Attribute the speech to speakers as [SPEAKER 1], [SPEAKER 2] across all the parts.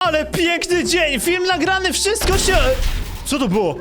[SPEAKER 1] Ale piękny dzień! Film nagrany, wszystko się... Co to było?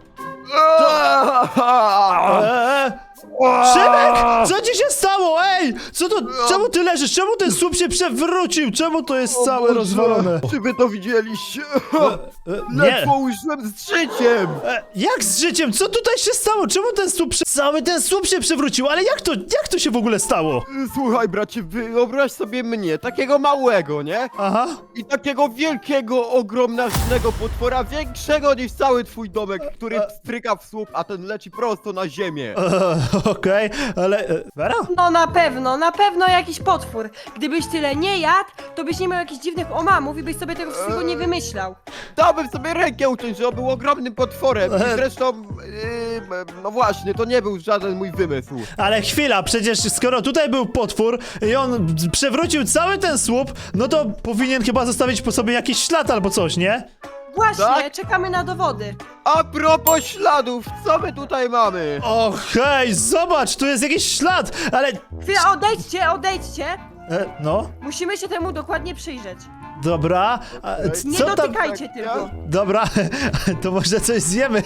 [SPEAKER 1] Szymek! Co ci się stało? Ej! Co to? Czemu ty leżysz? Czemu ten słup się przewrócił? Czemu to jest całe rozwalone?
[SPEAKER 2] Czy wy to widzieliście?
[SPEAKER 1] Nie.
[SPEAKER 2] Ledwo użyłem z życiem!
[SPEAKER 1] Jak z życiem? Co tutaj się stało? Czemu ten słup cały ten słup się przewrócił? Ale jak to się w ogóle stało?
[SPEAKER 2] Słuchaj, bracie, wyobraź sobie mnie, takiego małego, nie?
[SPEAKER 1] Aha.
[SPEAKER 2] I takiego wielkiego, ogromnego potwora, większego niż cały twój domek, który stryka w słup, a ten leci prosto na ziemię.
[SPEAKER 1] Okej, ale... Vera?
[SPEAKER 3] No na pewno jakiś potwór. Gdybyś tyle nie jadł, to byś nie miał jakichś dziwnych omamów i byś sobie tego wszystkiego nie wymyślał.
[SPEAKER 2] Dałbym sobie rękę uciąć, że on był ogromnym potworem. I zresztą, no właśnie, to nie był żaden mój wymysł.
[SPEAKER 1] Ale chwila, przecież skoro tutaj był potwór i on przewrócił cały ten słup, no to powinien chyba zostawić po sobie jakiś ślad albo coś, nie?
[SPEAKER 3] Właśnie,
[SPEAKER 2] Tak?
[SPEAKER 3] czekamy na dowody.
[SPEAKER 2] A propos śladów, co my tutaj mamy?
[SPEAKER 1] O hej, zobacz, tu jest jakiś ślad, ale...
[SPEAKER 3] Chwila, odejdźcie.
[SPEAKER 1] No,
[SPEAKER 3] Musimy się temu dokładnie przyjrzeć.
[SPEAKER 1] dobra.
[SPEAKER 3] Nie
[SPEAKER 1] Co tam?
[SPEAKER 3] dotykajcie
[SPEAKER 2] tak,
[SPEAKER 3] tylko.
[SPEAKER 1] Dobra, to może coś zjemy.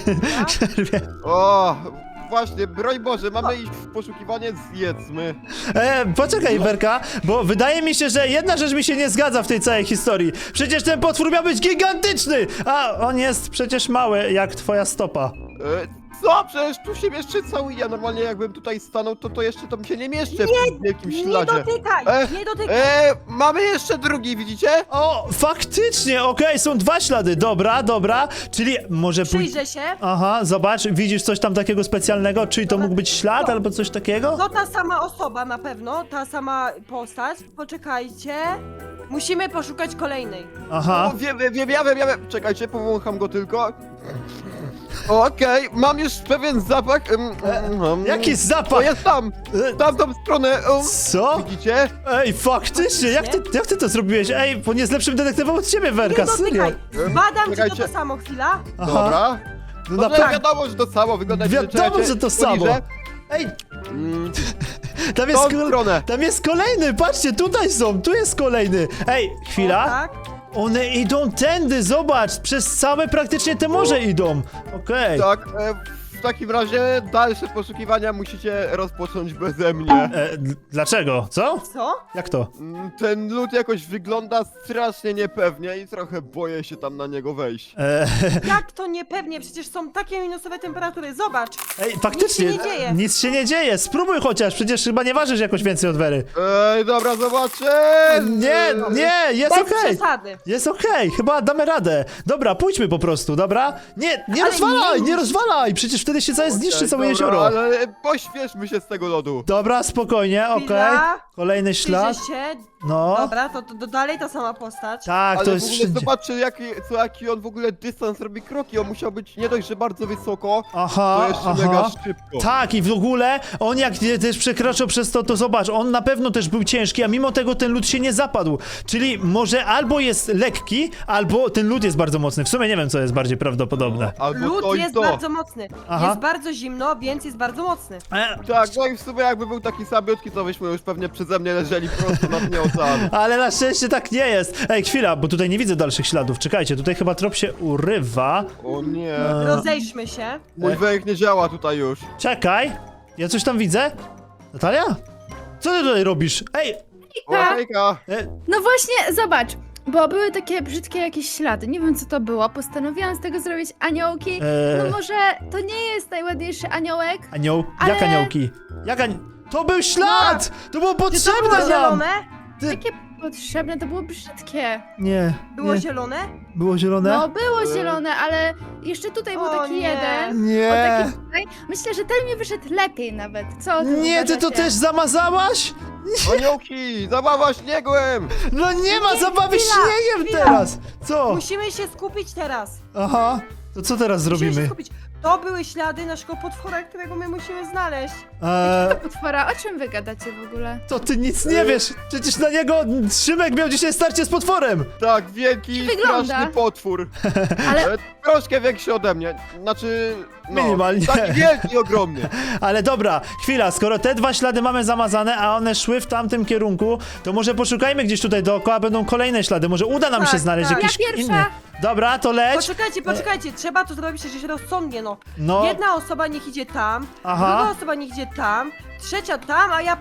[SPEAKER 2] O, właśnie, broń Boże, mamy iść w poszukiwanie, zjedzmy.
[SPEAKER 1] Poczekaj, Werka, bo wydaje mi się, że jedna rzecz mi się nie zgadza w tej całej historii. Przecież ten potwór miał być gigantyczny, a on jest przecież mały, jak twoja stopa.
[SPEAKER 2] Co? Przecież tu się mieszczę cały ja. Normalnie jakbym tutaj stanął, to jeszcze tam się nie mieszczę w tym wielkim
[SPEAKER 3] Nie
[SPEAKER 2] śladzie.
[SPEAKER 3] dotykaj, nie dotykaj.
[SPEAKER 2] Mamy jeszcze drugi, widzicie?
[SPEAKER 1] O, faktycznie, okej, są dwa ślady, dobra, czyli może
[SPEAKER 3] Przyjrzę się.
[SPEAKER 1] Aha, zobacz, widzisz coś tam takiego specjalnego, czyli to mógł być ślad albo coś takiego?
[SPEAKER 3] To ta sama osoba na pewno, ta sama postać. Poczekajcie. Musimy poszukać kolejnej.
[SPEAKER 1] Aha,
[SPEAKER 2] O, wiem. Czekajcie, powącham go tylko. Okej, mam już pewien zapach.
[SPEAKER 1] jaki
[SPEAKER 2] To
[SPEAKER 1] zapach?
[SPEAKER 2] jest tam! Tamtą stronę.
[SPEAKER 1] Co?
[SPEAKER 2] Widzicie?
[SPEAKER 1] Ej, faktycznie, jak ty to zrobiłeś? Ej, bo nie jest lepszym detektywem od ciebie, Werka,
[SPEAKER 3] Nie
[SPEAKER 1] serio.
[SPEAKER 3] dotykaj. Zbadam, czy to
[SPEAKER 2] Czekajcie.
[SPEAKER 3] to samo, chwila.
[SPEAKER 1] Aha,
[SPEAKER 2] Dobra.
[SPEAKER 1] no
[SPEAKER 2] No
[SPEAKER 1] naprawdę.
[SPEAKER 2] wiadomo, że to samo wygląda.
[SPEAKER 1] Wiadomo, że to samo.
[SPEAKER 2] Poniżej.
[SPEAKER 1] Ej,
[SPEAKER 2] Mm,
[SPEAKER 1] tam jest,
[SPEAKER 2] Tą stronę.
[SPEAKER 1] tam jest kolejny, patrzcie, tutaj są, tu jest kolejny. Ej, chwila.
[SPEAKER 3] O, tak.
[SPEAKER 1] One idą tędy, zobacz, przez całe praktycznie te morze idą. Okej.
[SPEAKER 2] Tak, w takim razie dalsze poszukiwania musicie rozpocząć beze mnie.
[SPEAKER 1] Dlaczego? Co?
[SPEAKER 3] Co?
[SPEAKER 1] Jak to?
[SPEAKER 2] Ten lód jakoś wygląda strasznie niepewnie i trochę boję się tam na niego wejść.
[SPEAKER 3] Jak to niepewnie? Przecież są takie minusowe temperatury. Zobacz.
[SPEAKER 1] Ej, faktycznie,
[SPEAKER 3] Nic się nie dzieje.
[SPEAKER 1] nic się nie dzieje. Spróbuj chociaż, przecież chyba nie ważysz jakoś więcej od Wery.
[SPEAKER 2] Dobra, zobaczę!
[SPEAKER 1] Nie, jest
[SPEAKER 3] Bez
[SPEAKER 1] okej.
[SPEAKER 3] przesady.
[SPEAKER 1] Jest okej, chyba damy radę. Dobra, pójdźmy po prostu, dobra? Nie
[SPEAKER 3] Ale
[SPEAKER 1] rozwalaj,
[SPEAKER 3] nie
[SPEAKER 1] nie rozwalaj, przecież wtedy się całe zniszczy całe
[SPEAKER 2] Dobra,
[SPEAKER 1] jezioro.
[SPEAKER 2] ale pośpieszmy się z tego lodu.
[SPEAKER 1] Dobra, spokojnie, okej.
[SPEAKER 3] Chwila.
[SPEAKER 1] Kolejny ślad.
[SPEAKER 3] Przyjrzę się.
[SPEAKER 1] No.
[SPEAKER 3] Dobra, to dalej ta sama postać.
[SPEAKER 1] Tak,
[SPEAKER 2] Ale
[SPEAKER 1] to
[SPEAKER 2] w
[SPEAKER 1] jest
[SPEAKER 2] ogóle
[SPEAKER 1] wszędzie.
[SPEAKER 2] zobaczcie jaki on w ogóle dystans robi kroki. On musiał być nie dość, że bardzo wysoko,
[SPEAKER 1] Aha,
[SPEAKER 2] to jeszcze mega szybko.
[SPEAKER 1] Tak, i w ogóle on jak też przekroczył przez to zobacz, on na pewno też był ciężki, a mimo tego ten lód się nie zapadł. Czyli może albo jest lekki, albo ten lód jest bardzo mocny. W sumie nie wiem, co jest bardziej prawdopodobne.
[SPEAKER 2] Albo
[SPEAKER 3] Lód
[SPEAKER 2] to i
[SPEAKER 3] jest
[SPEAKER 2] to.
[SPEAKER 3] bardzo mocny.
[SPEAKER 1] Aha.
[SPEAKER 3] Jest bardzo zimno, więc jest bardzo mocny.
[SPEAKER 2] Tak, no i w sumie jakby był taki samiutki, to byśmy już pewnie przeze mnie leżeli prosto na dnie oceanu.
[SPEAKER 1] Ale na szczęście tak nie jest. Ej, chwila, bo tutaj nie widzę dalszych śladów. Czekajcie, tutaj chyba trop się urywa.
[SPEAKER 2] O nie.
[SPEAKER 3] Rozejdźmy się.
[SPEAKER 2] Mój węch nie działa tutaj już.
[SPEAKER 1] Czekaj, ja coś tam widzę. Natalia? Co ty tutaj robisz? Ej!
[SPEAKER 2] O, hejka.
[SPEAKER 4] No właśnie, zobacz, bo były takie brzydkie jakieś ślady, nie wiem co to było, postanowiłam z tego zrobić aniołki, no może to nie jest najładniejszy aniołek,
[SPEAKER 1] Anioł?
[SPEAKER 4] Ale-
[SPEAKER 1] Jak aniołki? To był ślad! To było
[SPEAKER 3] Czy to
[SPEAKER 1] potrzebne
[SPEAKER 3] było
[SPEAKER 1] nam!
[SPEAKER 3] zielone?
[SPEAKER 4] takie potrzebne, to było brzydkie.
[SPEAKER 1] Nie,
[SPEAKER 3] Było
[SPEAKER 1] nie.
[SPEAKER 3] zielone?
[SPEAKER 1] Było zielone?
[SPEAKER 4] No było zielone, ale jeszcze tutaj był
[SPEAKER 3] O
[SPEAKER 4] taki
[SPEAKER 3] nie.
[SPEAKER 4] jeden,
[SPEAKER 1] Nie.
[SPEAKER 4] o taki tutaj. Myślę, że ten mi wyszedł lepiej nawet, co o tym
[SPEAKER 1] Nie, ty to
[SPEAKER 4] uważacie?
[SPEAKER 1] też zamazałaś?
[SPEAKER 2] Aniołki, zabawa śniegłem.
[SPEAKER 1] No nie ma zabawy
[SPEAKER 3] chwila,
[SPEAKER 1] śniegiem
[SPEAKER 3] chwila.
[SPEAKER 1] teraz! Co?
[SPEAKER 3] Musimy się skupić teraz.
[SPEAKER 1] Aha. To co teraz
[SPEAKER 3] Musimy się
[SPEAKER 1] zrobimy?
[SPEAKER 3] skupić. To były ślady naszego potwora, którego my musimy znaleźć.
[SPEAKER 1] Eee,
[SPEAKER 4] Potwora, o czym wy gadacie w ogóle?
[SPEAKER 1] to ty nic nie wiesz! Przecież na niego Szymek miał dzisiaj starcie z potworem!
[SPEAKER 2] Tak, wielki,
[SPEAKER 4] Wygląda.
[SPEAKER 2] straszny potwór.
[SPEAKER 4] Ale
[SPEAKER 2] Troszkę większy ode mnie. Znaczy, no,
[SPEAKER 1] Minimalnie.
[SPEAKER 2] taki wielki, ogromny.
[SPEAKER 1] Ale dobra, chwila, skoro te dwa ślady mamy zamazane, a one szły w tamtym kierunku, to może poszukajmy gdzieś tutaj dookoła, będą kolejne ślady, może uda nam się
[SPEAKER 3] Tak,
[SPEAKER 1] znaleźć
[SPEAKER 3] tak.
[SPEAKER 1] jakiś
[SPEAKER 4] Ja pierwsza.
[SPEAKER 1] inny. Dobra, to leć.
[SPEAKER 3] Poczekajcie, trzeba to zrobić przecież rozsądnie, no.
[SPEAKER 1] No.
[SPEAKER 3] Jedna osoba niech idzie tam,
[SPEAKER 1] Aha.
[SPEAKER 3] druga osoba niech idzie tam, trzecia tam, a ja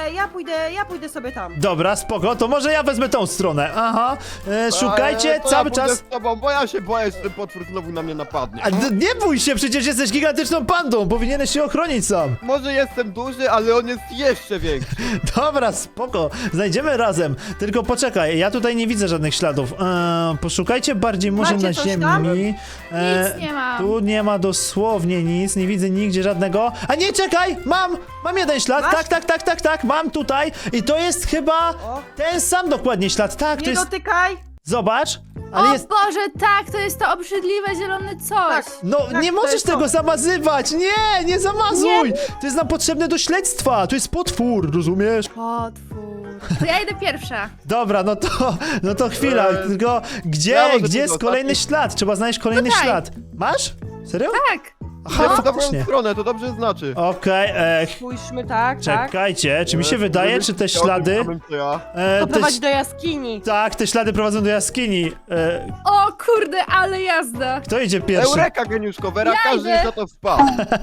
[SPEAKER 3] pójdę sobie tam.
[SPEAKER 1] Dobra, spoko, to może ja wezmę tą stronę. Aha, szukajcie
[SPEAKER 2] To
[SPEAKER 1] cały
[SPEAKER 2] ja pójdę
[SPEAKER 1] czas.
[SPEAKER 2] z tobą, bo ja się boję, że ten potwór znowu na mnie napadnie.
[SPEAKER 1] Nie bój się, przecież jesteś gigantyczną pandą, powinieneś się ochronić sam.
[SPEAKER 2] Może jestem duży, ale on jest jeszcze większy.
[SPEAKER 1] Dobra, spoko, znajdziemy razem. Tylko poczekaj, ja tutaj nie widzę żadnych śladów. Poszukajcie bardziej może
[SPEAKER 3] Macie
[SPEAKER 1] na
[SPEAKER 3] coś
[SPEAKER 1] ziemi.
[SPEAKER 3] tam?
[SPEAKER 4] Nic nie mam.
[SPEAKER 1] Tu nie ma dosłownie nic, nie widzę nigdzie żadnego. A nie, czekaj, mam jeden ślad.
[SPEAKER 3] Masz?
[SPEAKER 1] Tak, mam tutaj. I to jest chyba
[SPEAKER 3] O.
[SPEAKER 1] ten sam dokładnie ślad. Tak, to
[SPEAKER 3] Nie
[SPEAKER 1] jest.
[SPEAKER 3] dotykaj!
[SPEAKER 1] Zobacz, ale
[SPEAKER 4] O
[SPEAKER 1] jest.
[SPEAKER 4] Boże, tak, to jest to obrzydliwe zielone coś.
[SPEAKER 3] Tak.
[SPEAKER 1] No,
[SPEAKER 3] Tak,
[SPEAKER 1] nie
[SPEAKER 3] to
[SPEAKER 1] możesz
[SPEAKER 3] jest
[SPEAKER 1] tego
[SPEAKER 3] to.
[SPEAKER 1] zamazywać! Nie zamazuj! To jest nam potrzebne do śledztwa! To jest potwór, rozumiesz?
[SPEAKER 4] Potwór. To ja idę pierwsza.
[SPEAKER 1] Dobra, no to chwila, tylko
[SPEAKER 2] Ja
[SPEAKER 1] gdzie
[SPEAKER 2] może
[SPEAKER 1] jest
[SPEAKER 2] tylko
[SPEAKER 1] kolejny
[SPEAKER 2] ostatni.
[SPEAKER 1] ślad? Trzeba znaleźć kolejny
[SPEAKER 4] Tutaj.
[SPEAKER 1] ślad. Masz? Serio?
[SPEAKER 4] Tak.
[SPEAKER 1] Aha,
[SPEAKER 2] Idę w dobrą
[SPEAKER 1] faktycznie.
[SPEAKER 2] stronę, to dobrze znaczy.
[SPEAKER 1] Okej,
[SPEAKER 3] Spójrzmy tak.
[SPEAKER 1] czekajcie, czy mi się wydaje, czy te ślady...
[SPEAKER 2] Co ja?
[SPEAKER 3] To
[SPEAKER 1] te
[SPEAKER 3] prowadzi do jaskini.
[SPEAKER 1] Tak, te ślady prowadzą do jaskini.
[SPEAKER 4] O kurde, ale jazda.
[SPEAKER 1] Kto idzie pierwszy?
[SPEAKER 2] Eureka, geniuszko, Vera,
[SPEAKER 4] Ja
[SPEAKER 2] każdy
[SPEAKER 4] idę.
[SPEAKER 2] na to wpadł.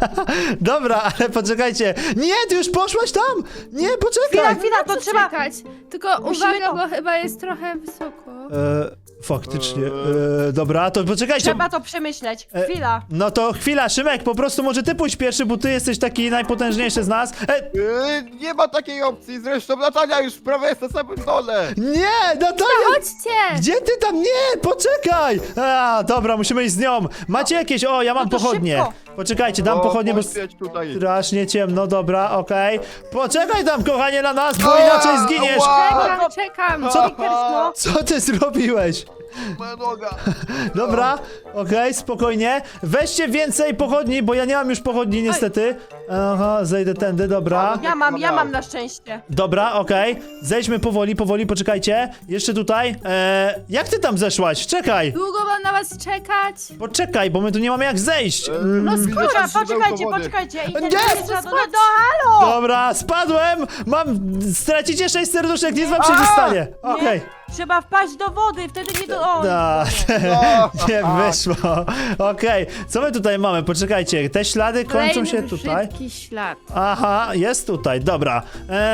[SPEAKER 1] Dobra, ale poczekajcie. Nie, ty już poszłaś tam! Nie, poczekaj!
[SPEAKER 3] Chwila, to trzeba...
[SPEAKER 4] Czekać. Tylko
[SPEAKER 3] Musimy
[SPEAKER 4] uwaga,
[SPEAKER 3] to-
[SPEAKER 4] bo chyba jest trochę wysoko.
[SPEAKER 1] Faktycznie. Dobra, to poczekajcie.
[SPEAKER 3] Trzeba to przemyśleć. Chwila.
[SPEAKER 1] No to chwila, Szymek, po prostu może ty pójdź pierwszy, bo ty jesteś taki najpotężniejszy z nas.
[SPEAKER 2] Nie ma takiej opcji, zresztą Natalia już prawie jest na samym dole.
[SPEAKER 1] Nie, Natalia!
[SPEAKER 4] Chodźcie!
[SPEAKER 1] Gdzie ty tam? Nie, poczekaj! Dobra, musimy iść z nią. Macie jakieś... O, ja mam
[SPEAKER 3] No to
[SPEAKER 1] pochodnie.
[SPEAKER 3] szybko.
[SPEAKER 1] Poczekajcie, dam pochodnie, bo
[SPEAKER 2] poświeć tutaj.
[SPEAKER 1] strasznie ciemno, dobra, okej. Poczekaj tam, kochanie, na nas, bo inaczej zginiesz.
[SPEAKER 4] Czekam, czekam.
[SPEAKER 3] No.
[SPEAKER 1] Co ty zrobiłeś?
[SPEAKER 2] Moja noga.
[SPEAKER 1] Dobra, okej, spokojnie. Weźcie więcej pochodni, bo ja nie mam już pochodni niestety. Aha, zejdę tędy, dobra.
[SPEAKER 3] Ja mam na szczęście.
[SPEAKER 1] Dobra, okej. Zejdźmy powoli, poczekajcie. Jeszcze tutaj. Jak ty tam zeszłaś? Czekaj.
[SPEAKER 4] Długo mam na was czekać?
[SPEAKER 1] Poczekaj, bo my tu nie mamy jak zejść.
[SPEAKER 2] No
[SPEAKER 3] Dobra, poczekajcie. I ten
[SPEAKER 1] Nie,
[SPEAKER 3] trzeba do halo!
[SPEAKER 1] Dobra, spadłem! Stracicie 6 serduszek, nic wam się nie stanie. Okej.
[SPEAKER 3] Trzeba wpaść do wody, wtedy nie do... O,
[SPEAKER 1] Da,
[SPEAKER 2] No.
[SPEAKER 1] nie wyszło. Okej, co my tutaj mamy? Poczekajcie, te ślady kończą
[SPEAKER 4] Kolejny
[SPEAKER 1] się tutaj.
[SPEAKER 4] brzydki ślad.
[SPEAKER 1] Aha, jest tutaj, dobra.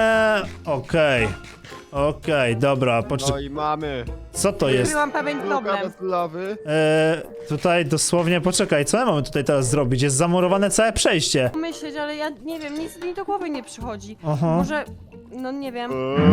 [SPEAKER 1] Okej, dobra,
[SPEAKER 2] No i mamy.
[SPEAKER 1] co to jest?
[SPEAKER 3] Byłam pewien
[SPEAKER 2] Luka
[SPEAKER 3] problem.
[SPEAKER 2] bez lawy.
[SPEAKER 1] Tutaj dosłownie, poczekaj, co my mamy tutaj teraz zrobić? Jest zamurowane całe przejście.
[SPEAKER 3] Myśleć, ale ja nie wiem, nic mi do głowy nie przychodzi.
[SPEAKER 1] Aha.
[SPEAKER 3] Może... No nie wiem.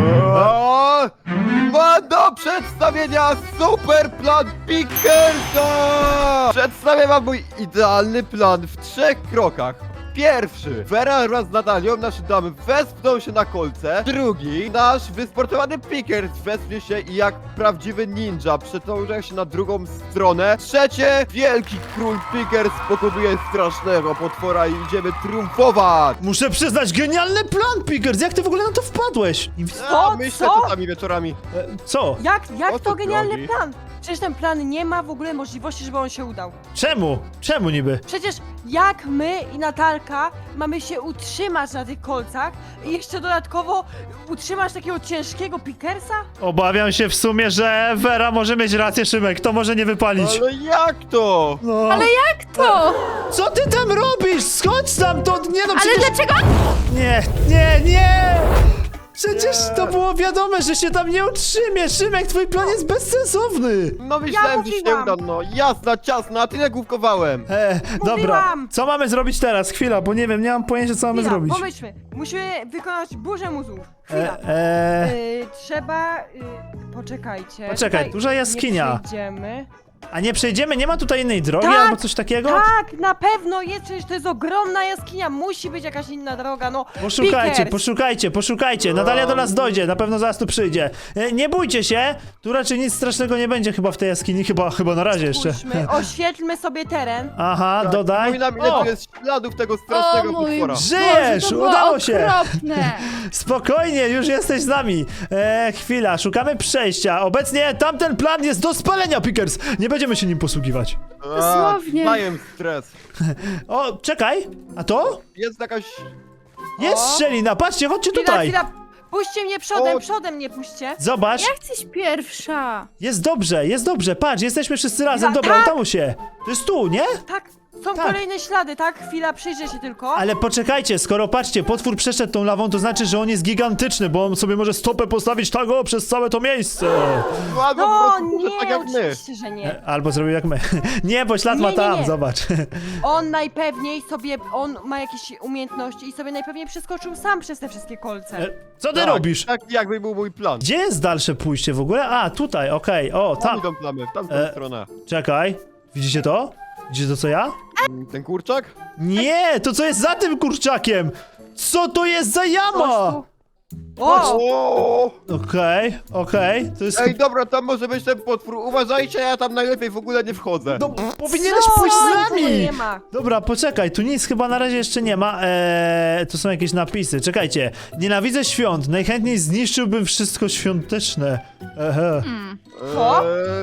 [SPEAKER 2] Mam do przedstawienia super plan Pickersa! Przedstawię wam mój idealny plan w 3 krokach. Pierwszy, Vera wraz z Natalią, nasze damy wespną się na kolce. Drugi, nasz wysportowany Pickers wespnie się i jak prawdziwy ninja przetąża się na drugą stronę. Trzecie, wielki król Pickers pokonuje strasznego potwora i idziemy triumfować.
[SPEAKER 1] Muszę przyznać, genialny plan, Pickers! Jak ty w ogóle na to wpadłeś?
[SPEAKER 2] Myślę
[SPEAKER 3] Co?
[SPEAKER 2] czasami wieczorami.
[SPEAKER 1] Co?
[SPEAKER 3] Jak
[SPEAKER 2] O
[SPEAKER 3] to
[SPEAKER 2] co
[SPEAKER 3] genialny
[SPEAKER 2] chodzi?
[SPEAKER 3] plan? Przecież ten plan nie ma w ogóle możliwości, żeby on się udał.
[SPEAKER 1] Czemu? Czemu niby?
[SPEAKER 3] Przecież jak my i Natalka mamy się utrzymać na tych kolcach i jeszcze dodatkowo utrzymać takiego ciężkiego Pickersa?
[SPEAKER 1] Obawiam się w sumie, że Vera może mieć rację, Szymek, to może nie wypalić.
[SPEAKER 2] Ale jak to?
[SPEAKER 1] No.
[SPEAKER 4] Ale jak to?
[SPEAKER 1] Co ty tam robisz? Schodź stamtąd! Nie no,
[SPEAKER 4] Ale
[SPEAKER 1] przecież...
[SPEAKER 4] dlaczego?
[SPEAKER 1] Nie! Przecież to było wiadome, że się tam nie utrzymie! Szymek, twój plan jest bezsensowny!
[SPEAKER 2] No myślałem, że się
[SPEAKER 3] mówiłam.
[SPEAKER 2] uda, no jasna, ciasna, a tyle główkowałem.
[SPEAKER 1] Dobra,
[SPEAKER 3] Mówiłam.
[SPEAKER 1] co mamy zrobić teraz? Chwila, bo nie wiem, nie mam pojęcia, co mamy
[SPEAKER 3] Chwila,
[SPEAKER 1] zrobić.
[SPEAKER 3] pomyślmy. Musimy wykonać burzę mózgów. Chwila. Trzeba... poczekajcie.
[SPEAKER 1] Poczekaj,
[SPEAKER 3] Tutaj
[SPEAKER 1] duża jaskinia.
[SPEAKER 3] Nie przejdziemy.
[SPEAKER 1] A nie przejdziemy? Nie ma tutaj innej drogi
[SPEAKER 3] Tak,
[SPEAKER 1] albo coś takiego?
[SPEAKER 3] Tak, na pewno jest, przecież to jest ogromna jaskinia, musi być jakaś inna droga, no. Pickers.
[SPEAKER 1] Poszukajcie. Natalia do nas dojdzie, na pewno zaraz tu przyjdzie. Nie bójcie się, tu raczej nic strasznego nie będzie chyba w tej jaskini, chyba na razie jeszcze.
[SPEAKER 3] Spójrzmy, oświetlmy sobie teren.
[SPEAKER 1] Aha,
[SPEAKER 2] Tak,
[SPEAKER 1] dodaj.
[SPEAKER 2] Przypominam, ile
[SPEAKER 1] O,
[SPEAKER 2] tu jest śladów tego strasznego
[SPEAKER 4] O mój
[SPEAKER 2] potwora.
[SPEAKER 1] Żyjesz!
[SPEAKER 4] Boże, to było
[SPEAKER 1] Udało się!
[SPEAKER 4] okropne.
[SPEAKER 1] Spokojnie, już jesteś z nami. Chwila, szukamy przejścia. Obecnie tamten plan jest do spalenia, Pickers. Nie będziemy się nim posługiwać.
[SPEAKER 4] Dosłownie.
[SPEAKER 2] Daję stres.
[SPEAKER 1] O, czekaj, a to?
[SPEAKER 2] Jest jakaś...
[SPEAKER 1] Jest
[SPEAKER 3] O.
[SPEAKER 1] szczelina, patrzcie, chodźcie
[SPEAKER 3] Chwila,
[SPEAKER 1] tutaj.
[SPEAKER 3] chwila, puśćcie mnie przodem,
[SPEAKER 2] O.
[SPEAKER 3] przodem mnie puśćcie.
[SPEAKER 1] Zobacz,
[SPEAKER 4] Ja chcę iść pierwsza.
[SPEAKER 1] jest dobrze, patrz, jesteśmy wszyscy razem,
[SPEAKER 3] Ja-
[SPEAKER 1] dobra,
[SPEAKER 3] tak.
[SPEAKER 1] udało się. To jest tu, nie?
[SPEAKER 3] Tak, są
[SPEAKER 1] Tak.
[SPEAKER 3] kolejne ślady, tak? Chwila, przyjrzę się tylko.
[SPEAKER 1] Ale poczekajcie, skoro patrzcie, potwór przeszedł tą lawą, to znaczy, że on jest gigantyczny, bo on sobie może stopę postawić tak o przez całe to miejsce.
[SPEAKER 2] Albo po
[SPEAKER 3] No
[SPEAKER 2] prostu
[SPEAKER 3] nie,
[SPEAKER 2] tak jak my.
[SPEAKER 3] oczywiście, że nie.
[SPEAKER 1] Albo zrobił jak my. Nie, bo ślad ma
[SPEAKER 3] Nie,
[SPEAKER 1] tam,
[SPEAKER 3] nie.
[SPEAKER 1] zobacz.
[SPEAKER 3] On najpewniej sobie, on ma jakieś umiejętności i sobie najpewniej przeskoczył sam przez te wszystkie kolce.
[SPEAKER 1] Co ty
[SPEAKER 2] Tak,
[SPEAKER 1] robisz?
[SPEAKER 2] Tak jakby był mój plan.
[SPEAKER 1] Gdzie jest dalsze pójście w ogóle? A, tutaj, okej, o,
[SPEAKER 2] Tam
[SPEAKER 1] tam.
[SPEAKER 2] idą plamy, w tamtą stronę.
[SPEAKER 1] Czekaj, widzicie to? Widzicie to co ja?
[SPEAKER 2] Ten kurczak?
[SPEAKER 1] Nie, to co jest za tym kurczakiem? Co to jest za jama?
[SPEAKER 3] Chodź tu. O!
[SPEAKER 2] O!
[SPEAKER 1] Okej, to jest...
[SPEAKER 2] Ej, dobra, tam może być ten potwór. Uważajcie, ja tam najlepiej w ogóle nie wchodzę.
[SPEAKER 1] No, powinieneś
[SPEAKER 3] Co?
[SPEAKER 1] pójść z
[SPEAKER 3] Nic tu
[SPEAKER 1] nami!
[SPEAKER 3] nie ma.
[SPEAKER 1] Dobra, poczekaj, tu nic chyba na razie jeszcze nie ma. Tu są jakieś napisy. Czekajcie. Nienawidzę świąt. Najchętniej zniszczyłbym wszystko świąteczne. Ehe.
[SPEAKER 3] Co?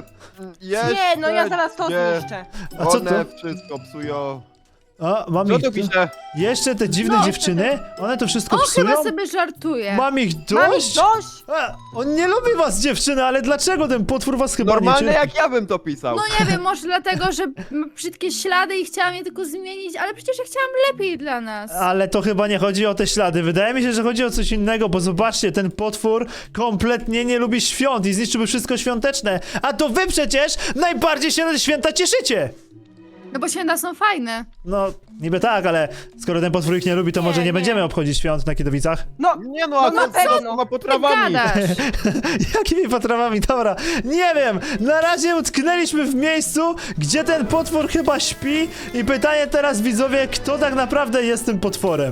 [SPEAKER 2] Jeszcze
[SPEAKER 3] Nie, no ja zaraz to
[SPEAKER 2] nie.
[SPEAKER 3] zniszczę.
[SPEAKER 1] A co to?
[SPEAKER 2] One wszystko psują.
[SPEAKER 1] A, mam
[SPEAKER 2] Co
[SPEAKER 1] ich...
[SPEAKER 2] tu pisze?
[SPEAKER 1] Jeszcze te dziwne dziewczyny? One to wszystko
[SPEAKER 4] On
[SPEAKER 1] psują?
[SPEAKER 4] chyba sobie żartuje.
[SPEAKER 1] Mam ich
[SPEAKER 3] Mam ich
[SPEAKER 1] dość?
[SPEAKER 3] dość!
[SPEAKER 1] On nie lubi was, dziewczyny, ale dlaczego ten potwór was chyba
[SPEAKER 2] Normalne
[SPEAKER 1] nie...
[SPEAKER 2] jak ja bym to pisał.
[SPEAKER 4] No nie wiem, może dlatego, że ma brzydkie ślady i chciałam je tylko zmienić, ale przecież ja chciałam lepiej dla nas.
[SPEAKER 1] Ale to chyba nie chodzi o te ślady. Wydaje mi się, że chodzi o coś innego, bo zobaczcie, ten potwór kompletnie nie lubi świąt i zniszczyłby wszystko świąteczne. A to wy przecież najbardziej się na te święta cieszycie!
[SPEAKER 4] No bo święta są fajne.
[SPEAKER 1] No, niby tak, ale skoro ten potwór ich nie lubi, to
[SPEAKER 3] Nie,
[SPEAKER 1] może nie
[SPEAKER 3] nie.
[SPEAKER 1] będziemy obchodzić świąt na Kidowicach?
[SPEAKER 3] No,
[SPEAKER 2] Nie no, a
[SPEAKER 3] No na
[SPEAKER 2] co
[SPEAKER 3] pewno.
[SPEAKER 2] ma
[SPEAKER 4] Ty
[SPEAKER 2] potrawami?
[SPEAKER 4] gadasz.
[SPEAKER 1] Jakimi potrawami? Dobra, nie wiem. Na razie utknęliśmy w miejscu, gdzie ten potwór chyba śpi i pytanie teraz widzowie, kto tak naprawdę jest tym potworem?